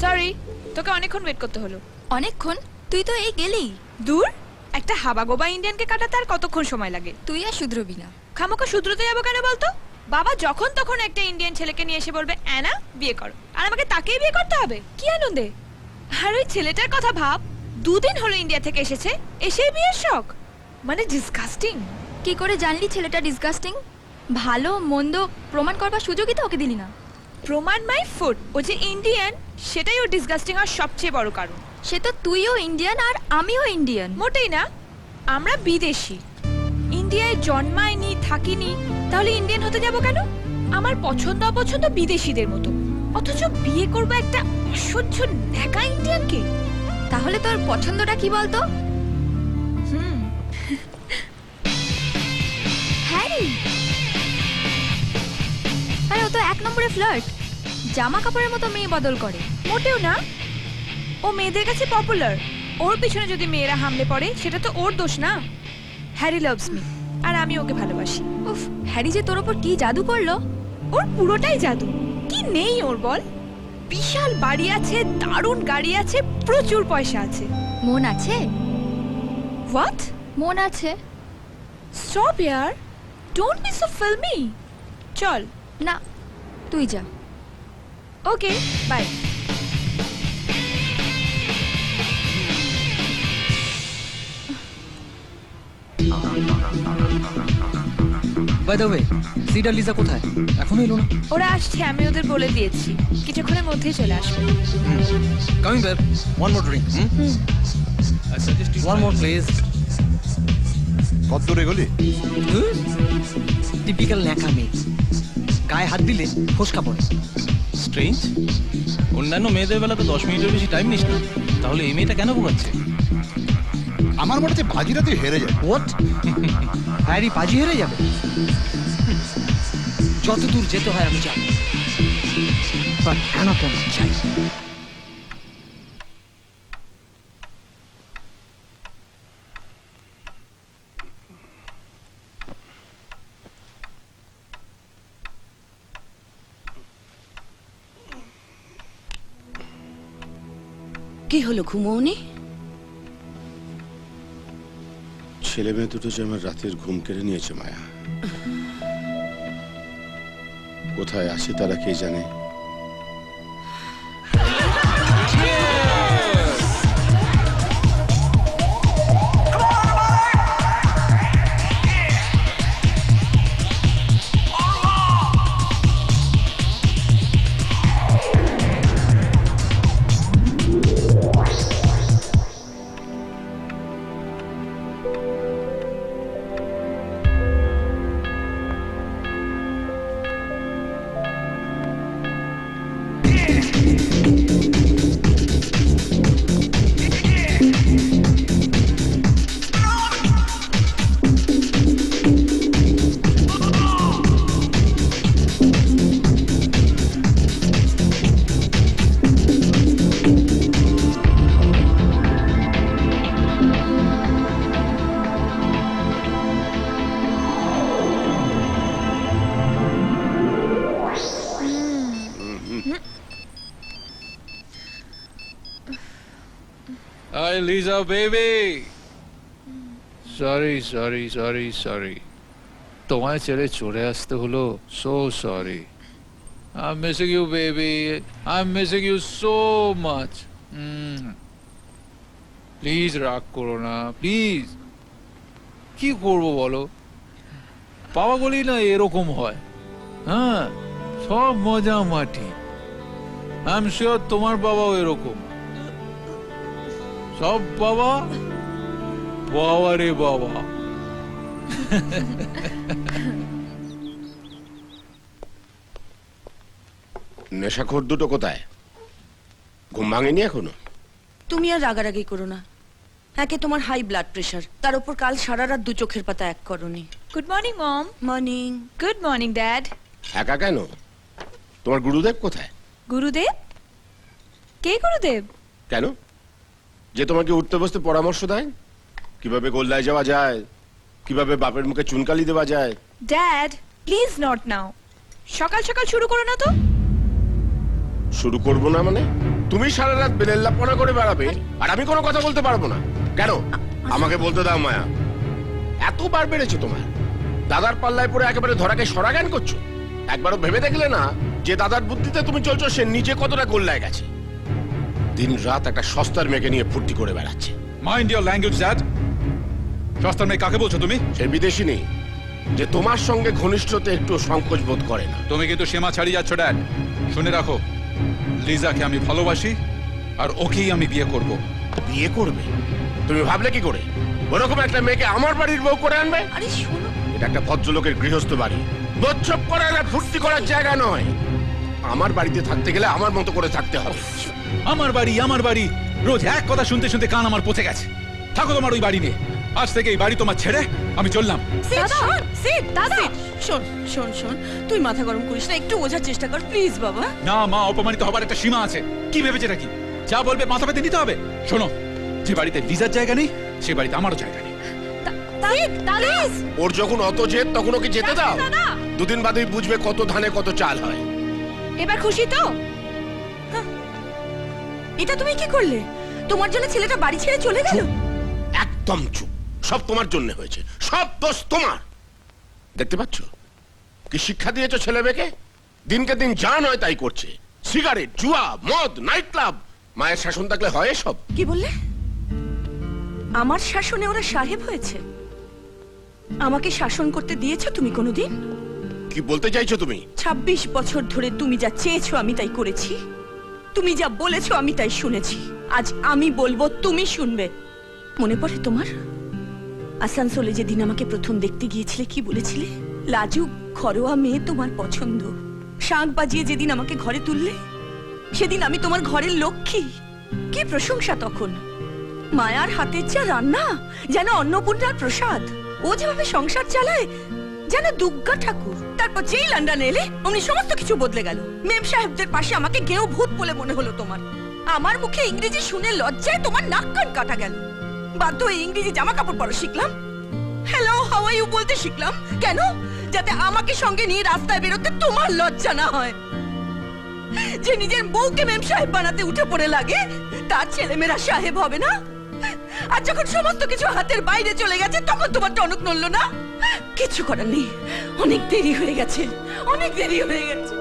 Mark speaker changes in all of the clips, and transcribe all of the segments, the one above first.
Speaker 1: Sorry, তোকে অনেকক্ষণ wait করতে হলো।
Speaker 2: অনেকক্ষণ? তুই তো এই গেলি।
Speaker 1: দূর, একটা হাবাগোবা ইন্ডিয়ানকে কাটাতে আর কতক্ষণ সময় লাগে?
Speaker 2: তুই আর শুধরবি না।
Speaker 1: খামোকা শুধরোতে যাবো কেন বলতো? বাবা যখন তখন একটা ইন্ডিয়ান ছেলেকে নিয়ে এসে বলবে অ্যানা বিয়ে করো, আর আমাকে তাকেই বিয়ে করতে হবে? কি আনন্দে! আর ওই ছেলেটার কথা ভাব, 2 দিন হলো ইন্ডিয়া থেকে এসেছে, এসেই বিয়ের শখ। মানে ডিসগাস্টিং।
Speaker 2: কি করে জানলি ছেলেটা ডিসগাস্টিং? ভালো মন্দ প্রমাণ করবার সুযোগই তো ওকে দিলি না।
Speaker 1: প্রমাণ মাই ফুড, ও যে ইন্ডিয়ান সেটাই ও ডিসগাস্টিং আর সবচেয়ে বড় কারণ।
Speaker 2: সে তো তুইও ইন্ডিয়ান আর আমিও ইন্ডিয়ান।
Speaker 1: মোটেই না, আমরা বিদেশি, ইন্ডিয়ায় জন্মায়নি থাকিনি, তাহলে ইন্ডিয়ান হতে যাব কেন? আমার পছন্দ অপছন্দ বিদেশিদের মতো, অথচ বিয়ে করবো একটা অসহ্য ন্যাকা ইন্ডিয়ানকে।
Speaker 2: তাহলে তোর পছন্দটা কি বলতো? হ্যারি। আরে ও তো 1 নম্বরে ফ্লার্ট, জামা কাপড়ের মতো মেয়ে বদল করে।
Speaker 1: মোটেও না, ও মেয়েদের কাছে পপুলার। ওর পিছনে যদি মেয়েরা হামলে পড়ে সেটা তো ওর দোষ না। হ্যারি লাভস মি, আর আমি ওকে ভালোবাসি।
Speaker 2: উফ, হ্যারি যে তোর ওপর কি জাদু করলো!
Speaker 1: ওর পুরোটাই জাদু। কি নেই ওর বল? বিশাল বাড়ি আছে, দারুণ গাড়ি আছে, প্রচুর পয়সা আছে।
Speaker 2: মন আছে?
Speaker 1: হোয়াট?
Speaker 2: মন আছে?
Speaker 1: স্টপ ইয়ার, ডোন্ট বি সো ফিল্মি। চল।
Speaker 2: না, তুই যা।
Speaker 1: Okay, bye.
Speaker 3: By the, Sid আর লিজা কোথায়? এখনো এলো না।
Speaker 1: ওরা আসছে, আমি ওদের বলে দিয়েছি, কিছুক্ষণের মধ্যেই চলে আসবে।
Speaker 3: Coming back, one more drink. One more please.
Speaker 4: কত দূরে গলি?
Speaker 3: টিপিক্যাল ন্যাকা মেয়ে, গায়ে হাত দিলে ফসকা পড়ে।
Speaker 5: স্ট্রেঞ্জ, অন্যান্য মেয়েদের বেলা তো 10 মিনিটের বেশি টাইম নিস না, তাহলে এই মেয়েটা কেন বোকাচ্ছে?
Speaker 4: আমার মনে হচ্ছে বাজিরা তুই হেরে যাবে।
Speaker 3: হোয়াট? হ্যারি বাজি হেরে যাবে? যত দূর যেতে হয় আমি যাবো, বাট অ্যানাকে আমি চাই।
Speaker 6: কি হলো, ঘুমোওনি?
Speaker 4: ছেলে মেয়ে দুটো যে আমার রাতের ঘুম কেড়ে নিয়েছে মায়া। কোথায় আসে তারা কে জানে।
Speaker 7: Hi, Lisa, baby. Sorry. তোমায় ছেড়ে চলে আসতে হলো। So sorry. I'm missing you, baby. I'm missing you so much. Please রাগ করো না, প্লিজ। কি করবো বলো? বাবা বলি না এরকম হয়। হ্যাঁ, সব মজা মাটি। I'm sure তোমার বাবাও এরকম। সব বাবা রে বাবা।
Speaker 4: নেশাখোর দুটো কোথায়? ঘুম ভাঙেনি এখনো?
Speaker 6: তুমি আর রাগারাগি করো না। একে তোমার হাই ব্লাড প্রেশার, তার উপর কাল সারা রাত 2 চোখের পাতা এক করনি।
Speaker 1: Good morning mom.
Speaker 6: Morning.
Speaker 1: Good morning dad.
Speaker 4: একা কেন? তোমার গুরুদেব কোথায়?
Speaker 1: গুরুদেব? কে গুরুদেব?
Speaker 4: কেন? যে তোমাকে উঠতে বসতে পরামর্শ দেয়, কিভাবে গোল্লায় যাওয়া যায়, কিভাবে বাপের মুখে চুনকালি দেওয়া যায়।
Speaker 1: ড্যাড প্লিজ নট নাও, সকাল সকাল শুরু করো না তো।
Speaker 4: শুরু করবো না মানে? তুমি সারা রাত বেলেল্লাপনা করে বেড়াবে আর আমি কোনো কথা বলতে পারবো না কেন? আমাকে বলতে দাও মায়া, এতবার বেড়েছে তোমার? দাদার পাল্লায় পড়ে একেবারে ধরাকে সরা জ্ঞান করছো? একবারও ভেবে দেখলে না যে দাদার বুদ্ধিতে তুমি চলছো সে নিজে কতটা গোল্লায় গেছে? দিন রাত একটা সস্তার মেয়েকে নিয়ে ফুর্তি করে বেড়াচ্ছে।
Speaker 8: Mind your language dad. সস্তার মেয়ে কাকে বলছো তুমি?
Speaker 4: সে বিদেশি নেই যে তোমার সঙ্গে ঘনিষ্ঠতে একটু সংকোচ বোধ করে না।
Speaker 8: তুমি কিন্তু সীমা ছাড়িয়ে যাচ্ছ ড্যাড। শুনে রাখো, লিজাকে আমি ভালোবাসি আর ওকেই আমি বিয়ে করব।
Speaker 4: বিয়ে করবে? তুমি ভাবলে কি করে ওরকম একটা মেয়েকে আমার বাড়ির বউ করে আনবে?
Speaker 6: আরে শোনো,
Speaker 4: এটা একটা ভদ্রলোকের গৃহস্থ বাড়ি, বোধছপ করার আর ফুর্তি করার জায়গা নয়। আমার বাড়িতে থাকতে গেলে আমার মতো করে থাকতে হবে।
Speaker 8: আমার বাড়ি রোজ এক কথা শুনতে শুনতে কান আমার পচে গেছে। থাকো তোমার ওই বাড়ি নিয়ে। আজ থেকে এই বাড়ি তোমার ছেড়ে আমি চললাম।
Speaker 6: শোন শোন শোন, তুই মাথা গরম করিস না, একটু বোঝার চেষ্টা কর প্লিজ বাবা।
Speaker 8: না মা, অপমানিত হবার একটা সীমা আছে। কি ভেবেছে নাকি যা বলবে মাথা পেতে নিতে হবে? শোনো, যে বাড়িতে লিজার জায়গা নেই সে বাড়িতে আমারও জায়গা নেই।
Speaker 4: ওর যখন অত জেদ তখন ওকে যেতে দাও।
Speaker 1: দাদা।
Speaker 4: দুদিন বাদেই বুঝবে কত ধানে কত চাল হয়।
Speaker 1: এবার খুশি তো?
Speaker 6: এটা তুমি কি করলে? তোমার জন্য ছেলেটা বাড়ি ছেড়ে চলে গেল?
Speaker 4: একদম চুপ, সব তোমার জন্য হয়েছে, সব দোষ তোমার। দেখতে পাচ্ছ কি শিক্ষা দিয়েছো ছেলে মেয়েকে? দিনকে দিন যা নয় তাই করছে, সিগারেট, জুয়া, মদ, নাইট ক্লাব। মায়ের শাসন থাকলে হয় সব?
Speaker 6: কি বললে? আমার শাসনে ওরা সাহেব হয়েছে? আমাকে শাসন করতে দিয়েছো তুমি কোনোদিন?
Speaker 4: কি বলতে চাইছো তুমি?
Speaker 6: 26 বছর ধরে তুমি যা চেয়েছো আমি তাই করেছি, তুমি যা বলেছো আমি তাই শুনেছি। আজ আমি বলবো, তুমি শুনবে। মনে পড়ে তোমার আসানসোলে যেদিন আমাকে প্রথম দেখতে গিয়েছিলে কি বলেছিলে? লাজুক ঘরোয়া মেয়ে তোমার পছন্দ। শাঁখ বাজিয়ে যেদিন আমাকে ঘরে তুললে সেদিন আমি তোমার ঘরের লক্ষ্মী। কি প্রশংসা তখন! মায়ার হাতের যা রান্না, যেন অন্নপূর্ণার প্রসাদ। ও যেভাবে সংসার চালায় যেন দুর্গা ঠাকুর। তারপর যেই লন্ডনে এলে অমনি সমস্ত কিছু বদলে গেল। মেম সাহেবদের পাশে আমাকে গেঁয়ো ভূত বলে মনে হলো তোমার। আমার মুখে ইংরেজি শুনে লজ্জায় তোমার নাক কান কাটা গেল। বাধ্য হয়ে ইংরেজি জামা কাপড় পরা শিখলাম। হ্যালো হাউ আর ইউ বলতে শিখলাম। কেন? যাতে আমাকে সঙ্গে নিয়ে রাস্তায় বেরোতে তোমার লজ্জা না হয়। যে নিজের বউকে মেম সাহেব বানাতে উঠে পড়ে লাগে, তার ছেলেমেয়েরা সাহেব হবে না? আর যখন সমস্ত কিছু হাতের বাইরে চলে গেছে তখন তোমার টনক নড়লো না? কিছু করার নেই, অনেক দেরি হয়ে গেছে, অনেক দেরি হয়ে গেছে।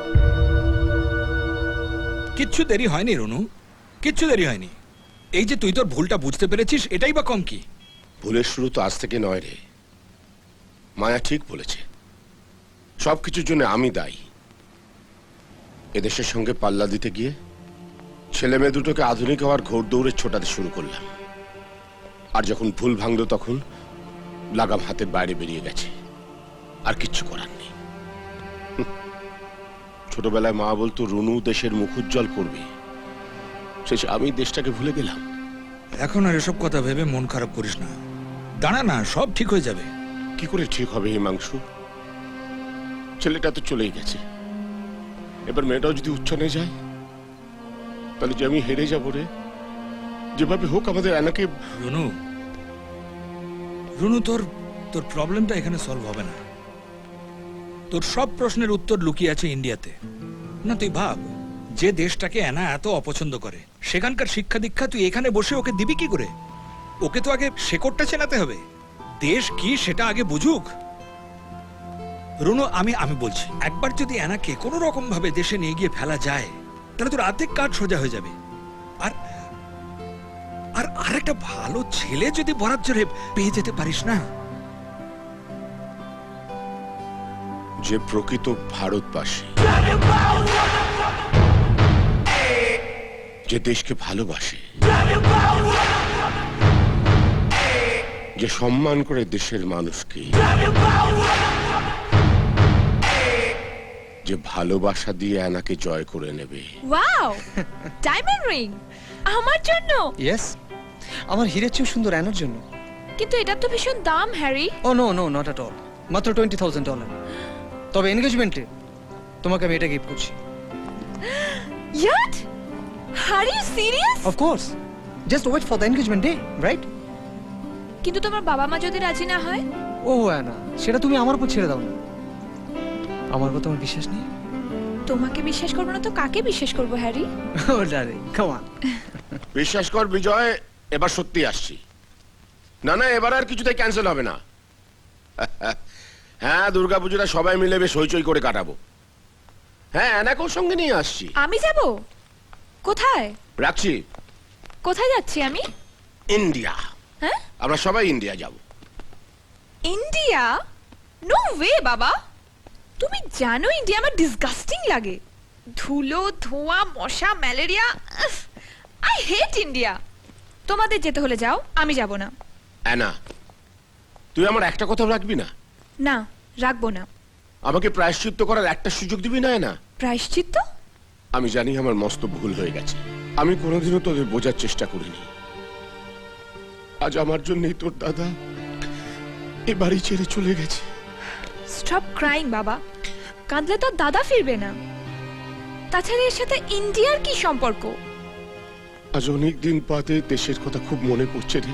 Speaker 9: কিচ্ছু দেরি হয়নি রনু, কিচ্ছু দেরি হয়নি। এই যে তুই তোর ভুলটা বুঝতে পেরেছিস এটাই বা কম কি?
Speaker 4: ভুলের শুরু তো আজ থেকে নয় রে। মায়া ঠিক বলেছে, সবকিছুর জন্য আমি দায়ী। এদেশের সঙ্গে পাল্লা দিতে গিয়ে ছেলে মেয়ে দুটোকে আধুনিক হওয়ার ঘোর দৌড়ে ছোটাতে শুরু করলাম। আর যখন ভুল ভাঙলো তখন লাগাম হাতের বাইরে বেরিয়ে গেছে। আর কিচ্ছু করার নেই। ছোটবেলায় মা বলতো রুনু দেশের মুখ উজ্জ্বল করবে, শেষে আমি দেশটাকে ভুলে গেলাম।
Speaker 9: এখন আর এসব কথা ভেবে মন খারাপ করিস না, দাঁড়া না, সব ঠিক হয়ে যাবে।
Speaker 4: কি করে ঠিক হবে হিমাংশু? ছেলেটা তো চলেই গেছে, এবার মেয়েটাও যদি উচ্ছনে যায় তাহলে যে আমি হেরে যাবো রে। যেভাবে হোক আমাদের অ্যানাকে।
Speaker 9: রনু, রনু, তোর তোর প্রবলেমটা এখানে সলভ হবে না। তোর সব প্রশ্নের উত্তর লুকিয়ে আছে ইন্ডিয়াতে। না তুই ভাব, যে দেশটাকে অ্যানা এত অপছন্দ করে সেখানকার শিক্ষা দীক্ষা তুই এখানে বসে ওকে দিবি কি করে? ওকে তো আগে শেকড়টা চেনাতে হবে, দেশ কি সেটা আগে বুঝুক। রনু, আমি বলছি, একবার যদি অ্যানাকে কোনো রকম ভাবে দেশে নিয়ে গিয়ে ফেলা যায় তাহলে তোর অর্ধেক কাজ সোজা হয়ে যাবে। আর আর আরেকটা ভালো ছেলে যদি বরাত জোরে পেয়ে যেতে পারিস না।
Speaker 4: যে প্রকৃত ভারতবাসী, যে দেশকে ভালোবাসে, যে সম্মান করে দেশের মানুষকে, যে ভালোবাসা দিয়ে অ্যানাকে জয় করে নেবে।
Speaker 1: ওয়াও, ডায়মন্ড রিং আমার জন্য?
Speaker 3: ইয়েস, আমার হীরের চেয়েও সুন্দর অ্যানার জন্য।
Speaker 1: কিন্তু এটা তো ভীষণ দাম Harry.
Speaker 3: Oh no no, not at all, মাত্র $20,000। তবে এনগেজমেন্টে তোমাকে আমি এটা গিফট করছি।
Speaker 1: Yacht? Are you serious?
Speaker 3: Of course, just wait for the engagement day, right?
Speaker 1: কিন্তু তোমার বাবা মা যদি রাজি না হয়?
Speaker 3: ও অ্যানা, সেটা তুমি আমার উপর ছেড়ে দাও না। আমার উপর তোমার বিশ্বাস নেই?
Speaker 1: তোমাকে বিশ্বাস করবো না তো কাকে বিশ্বাস করবো হ্যারি?
Speaker 3: O ডারে come on.
Speaker 4: বিশ্বাস কর বিজয়, এবার সত্যি আসছি। না না, এবার আর কিছুতেই ক্যান্সেল হবে না। হ্যাঁ, দুর্গাপুজোটা সবাই মিলে বেশ হইচই করে কাটাবো। হ্যাঁ, অ্যানাকেও সঙ্গে নিয়ে আসছি।
Speaker 1: আমি যাব? কোথায়?
Speaker 4: রাখছি।
Speaker 1: কোথায় যাচ্ছি আমি?
Speaker 4: ইন্ডিয়া।
Speaker 1: হ্যাঁ?
Speaker 4: আমরা সবাই ইন্ডিয়া যাব।
Speaker 1: ইন্ডিয়া? নো ওয়ে বাবা। তুমি জানো ইন্ডিয়া আমার ডিসগাস্টিং লাগে। ধুলো, ধোঁয়া, মশা, ম্যালেরিয়া। I hate India. তোমাদের যেতে হলে যাও, আমি যাব না।
Speaker 4: অ্যানা, তুই আমার একটা কথা রাখবি না?
Speaker 1: না, রাখবো না।
Speaker 4: আমাকে প্রায়শ্চিত্ত করার একটা সুযোগ দিবি না অ্যানা?
Speaker 1: প্রায়শ্চিত্ত?
Speaker 4: আমি জানি আমার মস্ত ভুল হয়ে গেছে। আমি কোনোদিনও তোদের বোঝার চেষ্টা করিনি। আজ আমার জন্যই তোর দাদা এ বাড়ি ছেড়ে চলে গেছে।
Speaker 1: স্টপ ক্রাইং বাবা। কাঁদলে তো আর দাদা ফিরবে না। তাছাড়া এর সাথে ইন্ডিয়ার কি সম্পর্ক?
Speaker 4: আজ অনেক দিন বাদে দেশের কথা খুব মনে পড়ছে রে।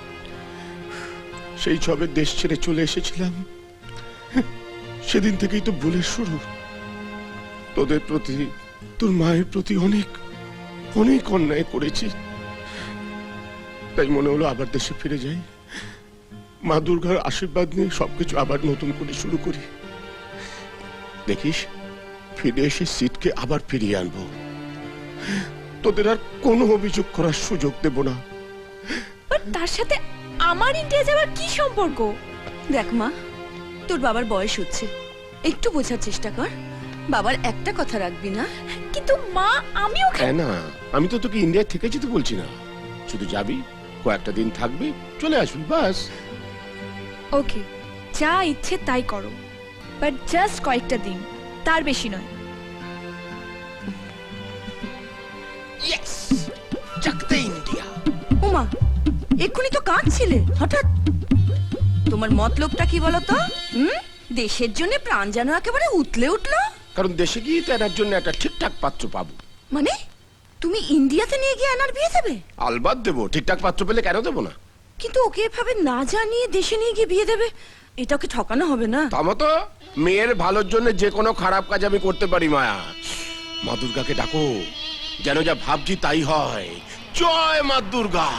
Speaker 4: সেই সবে দেশ ছেড়ে চলে এসেছিলাম, সেদিন থেকেই তো ভুলের শুরু। তোদের প্রতি, তোর মায়ের প্রতি অনেক অনেক অন্যায় করেছি। তাই মনে হলো আবার দেশে ফিরে যাই, মা দুর্গার আশীর্বাদ নিয়ে সবকিছু আবার নতুন করে শুরু করি। দেখিস, ফিরে এসে সিটকে আবার ফিরিয়ে আনবো। তোদের আর কোনো অভিযোগ করার সুযোগ দেব না।
Speaker 1: বাট তার সাথে আমার ইন্ডিয়া যাওয়ার কি সম্পর্ক?
Speaker 6: দেখ মা, তোর বাবার বয়স হচ্ছে, একটু বোঝার চেষ্টা কর। বাবার একটা কথা রাখবি না?
Speaker 1: কিন্তু মা, আমি ওকে
Speaker 4: হ্যাঁ না, আমি তো তোকে ইন্ডিয়ায় থেকে যেতে বলছি না। শুধু যাবি, কয়েকটা দিন থাকবি, চলে আসবি, বাস।
Speaker 1: ওকে, যা ইচ্ছে তাই করো, বাট জাস্ট কয়েকটা দিন, তার বেশি নয়।
Speaker 4: ইন্ডিয়া।
Speaker 6: ওমা, এক্ষুনি তো কাঁদছিলে, হঠাৎ তোমার মতলবটা কি বলতো? দেশের জন্য প্রাণ যেন একেবারে উতলে উঠলো।
Speaker 4: কারণ দেশে গিয়ে তো এনার জন্য একটা ঠিকঠাক পাত্র পাবো।
Speaker 6: মানে তুমি ইন্ডিয়াতে নিয়ে গিয়ে আনার বিয়ে দেবে?
Speaker 4: আলবাত দেবো, ঠিকঠাক পাত্র পেলে কেন দেবো না?
Speaker 6: কিন্তু ওকে এভাবে না জানিয়ে দেশে নিয়ে গিয়ে বিয়ে দেবে, এটা ওকে ঠকানো হবে না?
Speaker 4: তা মতো মেয়ের ভালোর জন্য যে কোনো খারাপ কাজ আমি করতে পারি। মায়া, মা দুর্গাকে ডাকো, যেন যা ভাবছি তাই হয়। জয় মা দুর্গা।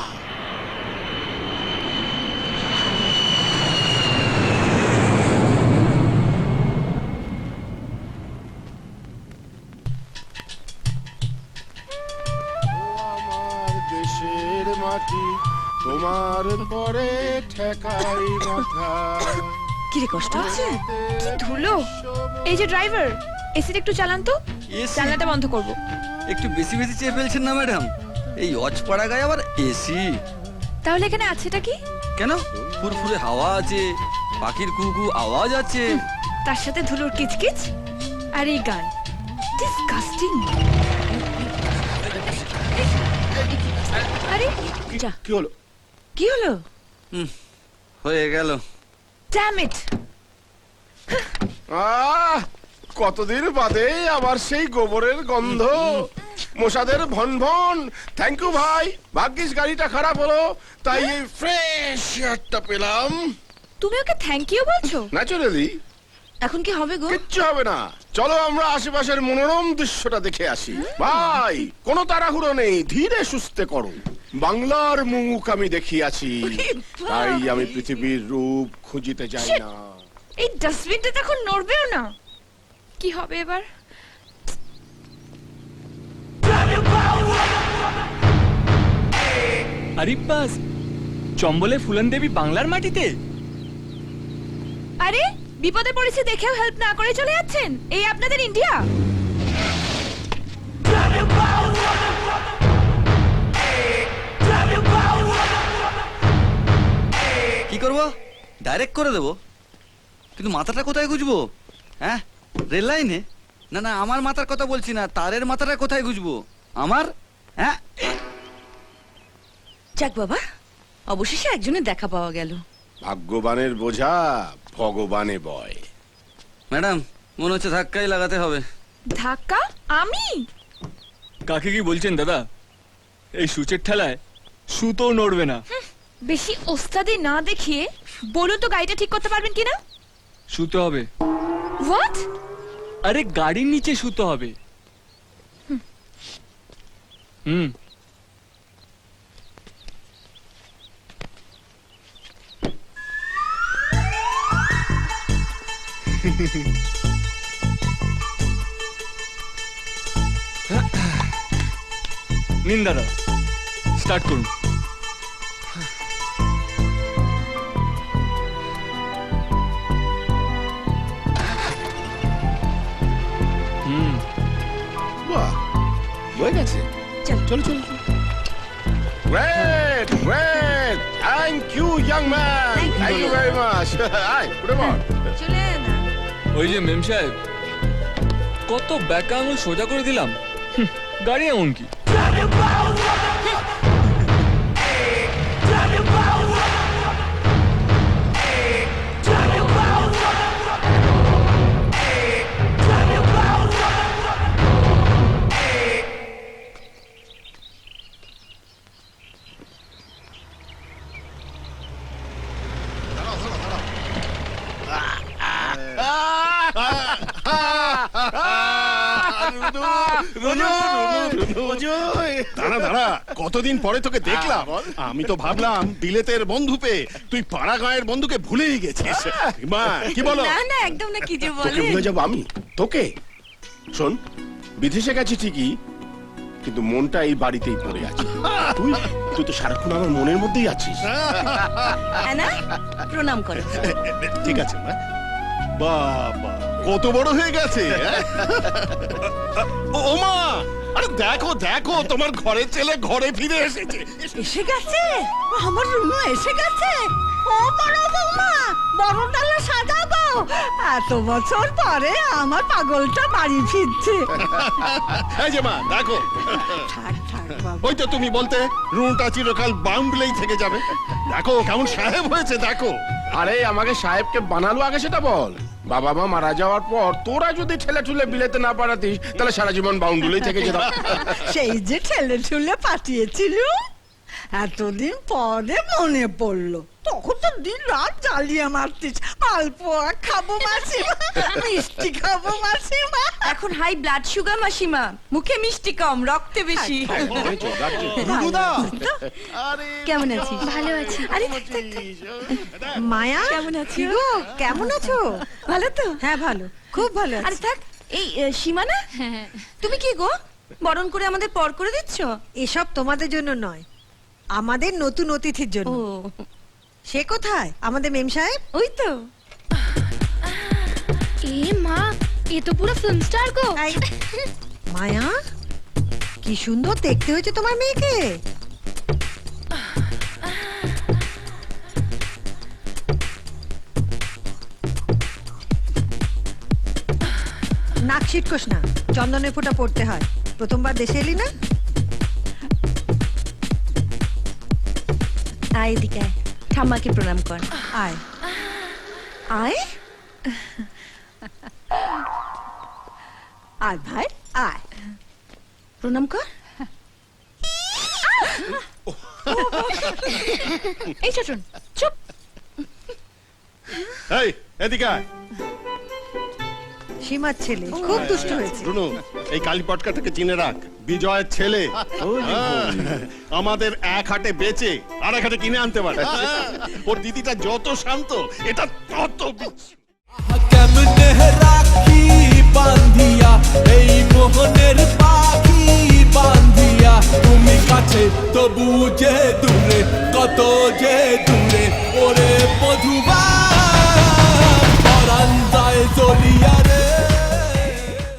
Speaker 4: আমার দেশের মাটি তোমার পরে ঠেকাই মাথা।
Speaker 6: কি রে, কষ্ট হচ্ছে?
Speaker 1: কি ধুলো! এই যে ড্রাইভার, এসিটা একটু চালান তো, জানলাটা বন্ধ করব।
Speaker 10: একটু বেশি বেশি চেয়ে ফেলছেন না ম্যাডাম? এই অজপাড়া গায়ে আবার এসি।
Speaker 1: তাহলে এখানে আছেটা কি?
Speaker 10: কেন, ফুরফুরে হাওয়া আছে, পাখির কুকু আওয়াজ আছে,
Speaker 1: তার সাথে ধুলোর কিচকিচ আর এই গান। ডিসগাস্টিং। আরে
Speaker 6: যা,
Speaker 4: কি হলো?
Speaker 6: কি হলো?
Speaker 10: হয়ে গেল।
Speaker 1: Damn it!
Speaker 4: কতদিন বাদে আবার সেই গোবরের গন্ধ, মশাদের ভন ভন। থ্যাংক ইউ ভাই, ভাগ্যিস গাড়িটা খারাপ হলো, তাই এই ফ্রেশ এয়ারটা পেলাম।
Speaker 1: তুমি ওকে থ্যাংক ইউ বলছো?
Speaker 4: ন্যাচারালি।
Speaker 6: এখন কি হবে গো?
Speaker 4: কিচ্ছু হবে না, চলো আমরা আশেপাশের মনোরম দৃশ্যটা দেখে আসি। ভাই, কোনো তাড়াহুড়ো নেই, ধীরে সুস্থে করো। বাংলার মুখ আমি দেখিয়াছি, তাই আমি পৃথিবীর রূপ খুঁজিতে যাই না।
Speaker 1: এই ডাস্টবিনটা তো এখন নড়বেও না। কি হবে এবার?
Speaker 3: আরিব্বাস, চম্বলে ফুলন দেবী বাংলার মাটিতে?
Speaker 1: আরে বিপদে পড়েছে দেখেও হেল্প না করে চলে যাচ্ছেন? এই আপনাদের ইন্ডিয়া?
Speaker 10: কি করবো? ডাইরেক্ট করে দেবো, কিন্তু মাথাটা কোথায় গুজবো? হ্যাঁ, রেল লাইনে? না না, আমার মাথার কথা বলছি না, তারের মাথাটা কোথায় গুজবো আমার? হ্যাঁ,
Speaker 6: যাক বাবা, অবশেষে একজনের দেখা পাওয়া গেল।
Speaker 4: ভাগ্যবানের বোঝা ভগবানে বয়।
Speaker 10: ম্যাডাম মনে হচ্ছে ধাক্কাই লাগাতে হবে।
Speaker 1: ধাক্কা? আমি?
Speaker 3: কাকে কি বলছেন দাদা? এই সূচের ঠেলায় সুতো নড়বে না।
Speaker 1: বেশি ওস্তাদি না দেখিয়ে বলুন তো গাড়িটা ঠিক করতে পারবেন কিনা?
Speaker 3: সুতো হবে।
Speaker 1: হোয়াট?
Speaker 3: আরে গাড়ির নিচে শুতে হবে। হুম। নিন দাদা, স্টার্ট করুন। হুম।
Speaker 4: বাহ, হয়ে গেছে। চলো চলো great great thank you young man, thank you very much. আয় উঠে পড়।
Speaker 3: ওই যে মেম সাহেব, কত ব্যাকা আঙুল সোজা করে দিলাম, গাড়ি এমন কি?
Speaker 11: দাঁড়া দাঁড়া, কতদিন পরে তোকে দেখলাম। আমি তো ভাবলাম বিলেতের বন্ধু পেয়ে তুই পাড়া গাঁয়ের বন্ধুকে ভুলেই গেছিস। মা কি বলো?
Speaker 6: না না একদম না, কি যে
Speaker 4: তোকে
Speaker 6: বলে।
Speaker 4: ভুলে যাবো আমি? তোকে শোন, বিদেশে গেছি ঠিকই, কিন্তু মনটা এই বাড়িতেই পড়ে আছে। তুই তুই তো সারাক্ষণ আমার মনের মধ্যেই আছিস।
Speaker 6: অ্যানা, প্রণাম করো।
Speaker 11: ঠিক আছে মা। বাবা কত বড় হয়ে গেছে। ও মা, আরে দেখো দেখো, তোমার ঘরের ছেলে ঘরে ফিরে এসেছে।
Speaker 6: এসে গেছে আমার রুনু, এসে গেছে। ও বড় বৌমা, বড় ডালা সাজাবো। এত বছর পরে আমার পাগলটা বাড়ি ফিরছে।
Speaker 11: এই যে মা দেখো,
Speaker 6: থাক থাক বাবা।
Speaker 11: ওই তো তুমি বলতে রুনটা চিরকাল বাউন্ডলেই থেকে যাবে। দেখো কেমন সাহেব হয়েছে দেখো।
Speaker 4: আরে আমাকে সাহেবকে বানালো আগে সেটা বল। বাবা মা মারা যাওয়ার পর তোরা যদি ঠেলে ঠুলে বিলেতে না পাঠাতিস, তাহলে সারা জীবন বাউন্ডুলেই থেকে যেতাম।
Speaker 6: সেই যে ঠেলে ঠুলে পাঠিয়েছিল, এতদিন পরে মনে পড়লো। তখন তো দিন রাত জ্বালিয়ে মারতিস। মালপোয়া খাবো মাসিমা, মিষ্টি খাবো মাসিমা। এখন হাই ব্লাড সুগার মাসিমা, মুখে মিষ্টি কম, রক্তে বেশি। কেমন আছিস?
Speaker 2: ভালো আছি।
Speaker 6: আরে থাক, থাক, থাক। মায়া কেমন আছিস গো? কেমন আছো? ভালো তো? হ্যাঁ ভালো, খুব ভালো। আরে থাক, এই সীমানা, তুমি কি গো বরণ করে আমাদের পর করে দিচ্ছ?
Speaker 12: এসব তোমাদের জন্য নয়, আমাদের নতুন অতিথির জন্য।
Speaker 6: ও
Speaker 12: সে কোথায় আমাদের মেম সাহেব?
Speaker 6: ওই তো।
Speaker 2: এ মা, এ তো পুরো ফিল্ম স্টার গো।
Speaker 12: এই, মায়া কি সুন্দর দেখতে হয়েছে তোমার মেয়েকে। নাক ছিটকোস না, চন্দনের ফোঁটা পড়তে হয়। প্রথমবার দেশে এলি না?
Speaker 6: আয় এদিকে আয়, ঠাম্মাকে প্রণাম কর।
Speaker 12: আয়
Speaker 6: আয় আয় ভাই, আয় প্রণাম কর।
Speaker 1: এই চাচুন চুপ।
Speaker 11: এই এদিকে আয়।
Speaker 12: সীমার ছেলে খুব দুষ্ট হয়েছে।
Speaker 11: রুনু, এই কালীপটকাটাকে চিনে রাখ, বিজয়ের ছেলে। আমাদের এক হাটে বেচে আর এক হাটে কিনে আনতে পারে। ওর দিদিটা যত শান্ত, এটা তত বিচ্ছু।
Speaker 13: কেমনে রাখি বান্ধিয়া এই মোহনের পাখি বান্ধিয়া, তুমি কাছে তবু যে দূরে, কত যে দূরে ওরে